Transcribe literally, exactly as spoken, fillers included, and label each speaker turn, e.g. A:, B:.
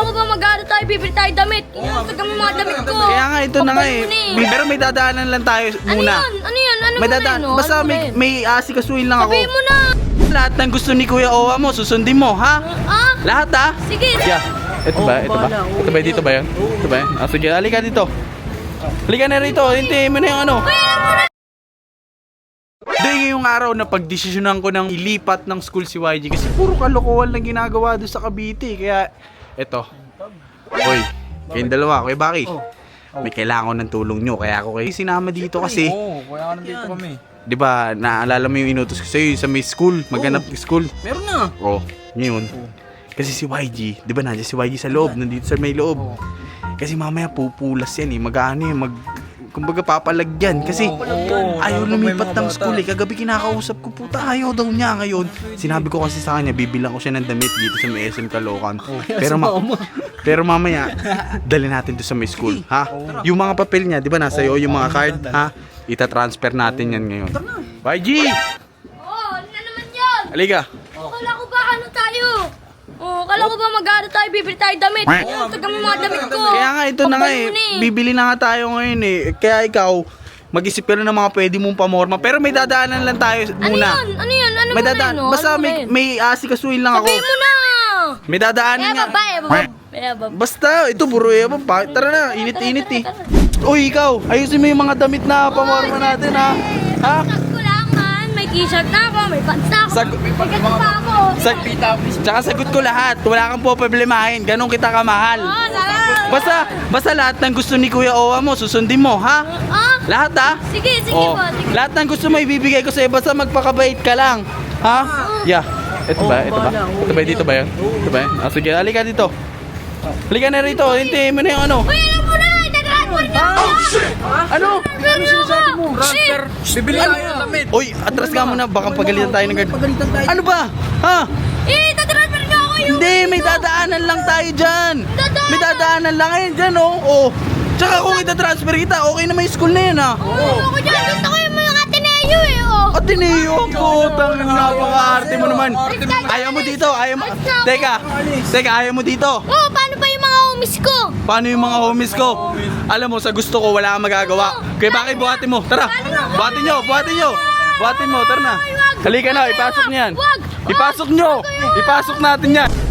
A: ko ba mag-aaral tayo, bibili tayo damit? Kinasag kami mga damit ko.
B: Kaya nga, ito na nga eh. May, pero may dadaanan lang tayo
A: Ano
B: muna.
A: yun? Ano yun? Ano
B: May
A: mo
B: dadaan.
A: rin, no?
B: Basta
A: Ano mo
B: may,
A: rin?
B: may asikasuhin lang ako.
A: Sabihin mo na.
B: Lahat ng gusto ni Kuya Owa mo, susundin mo, ha?
A: Ah?
B: Lahat, ha?
A: Sige.
B: Yeah. Ito ba? Ito ba? Ito ba? Dito ba yan? Ito ba yan? Ah, sige, halika dito. Halika na rito. Hintayin mo na yung ano. Hindi, ngayong araw na pagdesisyonan ko ng ilipat ng school si Y G kasi puro kalokohan lang ginagawa doon sa Cavite. Kaya, eto. Hoy, kayong dalawa. Kuya Baki, may kailangan ko ng tulong nyo. Kaya ako kayo sinama dito kasi.
C: Oo, kaya ka nandito kami.
B: Di ba, naalala mo yung inutos ko sa'yo sa may school, maghanap ng school.
C: Meron na.
B: Oo, ngayon. Kasi si Y G, di ba nandiyan si Y G sa loob, nandito sa may loob. Kasi mamaya pupulas yan eh, mag-ano eh, mag... Kumbaga papalagyan kasi
C: Oo,
B: ayaw
C: kapag may
B: lumipat
C: mga
B: ng
C: bata.
B: school eh. Kagabi kinakausap ko, puta ayaw daw niya ngayon. Sinabi ko kasi sa kanya, bibilang ko siya ng damit dito sa may S M Caloocan. Pero, ma- pero mamaya, dali natin to sa may school, ha? Yung mga papel niya, di ba nasa iyo, yung mga card, ha? Ita-transfer natin yan ngayon. Y G!
A: Oh, ano na naman yun?
B: Halika!
A: Oh, kala ko ba ano tayo? Oh, kala ko ba mag-aaral tayo, bibili tayo damit? Kinasag kami mga damit ko.
B: Kaya nga ito na nga eh,
A: Pampano na
B: bibili na nga tayo ngayon eh. Kaya ikaw, mag-isip ka na ng mga pwede mong pamorma. Pero may dadaanan lang tayo
A: Ano
B: muna.
A: yun? Ano yun? Ano
B: May
A: mo rin,
B: dadaan.
A: no?
B: Basta
A: Ano mo
B: may,
A: rin?
B: may asikasuhin lang ako.
A: Sabihin mo na!
B: May dadaanan
A: Eh,
B: nga.
A: baba, eh, baba. Eh, baba.
B: Basta, ito buro eh. Baba. Tara na, init-init eh. Uy, ikaw, ayusin mo yung mga damit na pamorma natin ha. Ha?
A: Sag ko lang man, may t-shirt na ako, may pants na ako.
B: Sag-
A: may ganito pa ako.
B: Sag Tsaka sagot ko lahat. Wala kang po problemahin. Ganon kita kamahal.
A: Oh, salamat.
B: Basta, basta lahat ng gusto ni Kuya Owa mo, susundin mo, ha?
A: Ah?
B: Lahat ha?
A: Sige, sige
B: Oh,
A: po. Sige.
B: lahat ng gusto mo ibibigay ko sa'yo, basta magpakabait ka lang. Ha? Yeah. Ito ba? Ito ba? Ito ba? Dito ba yan? Ito ba yan? Ah, sige, halika dito. Halika na rito. Hintayin mo na yung ano.
A: Uy, alam mo na! Itatransfer niyo ako!
B: Ano?
A: Ano sinasabi mo?
C: Transfer. Bibili tayo ng damit.
B: Uy, atras ka muna. Baka pagalitan tayo ng guard.
C: Pagalitan tayo.
B: Ano ba? Ha?
A: Eh, itatransfer niyo ako yung...
B: Hindi, may dadaanan lang tayo dyan.
A: Dadaanan?
B: May dadaanan lang ngayon dyan, oh. Oh. Tsaka kung ita-transfer kita, okay naman yung school na yun, ha?
A: Oo, ako dyan. Gusto ko yung mga Ateneo eh, oh.
B: Ateneo, putang napaka-arte mo naman. Ayaw mo dito, ayaw mo. Teka, teka, ayaw mo dito.
A: Oh, paano pa yung mga homies ko?
B: Paano yung mga homies ko? Alam mo, sa gusto ko, wala kang magagawa. Kaya bakit buhatin mo? Tara, buhatin nyo, buhatin nyo. Buhatin mo, tara na. Halika na, ipasok niyan. Ipasok nyo, ipasok natin yan.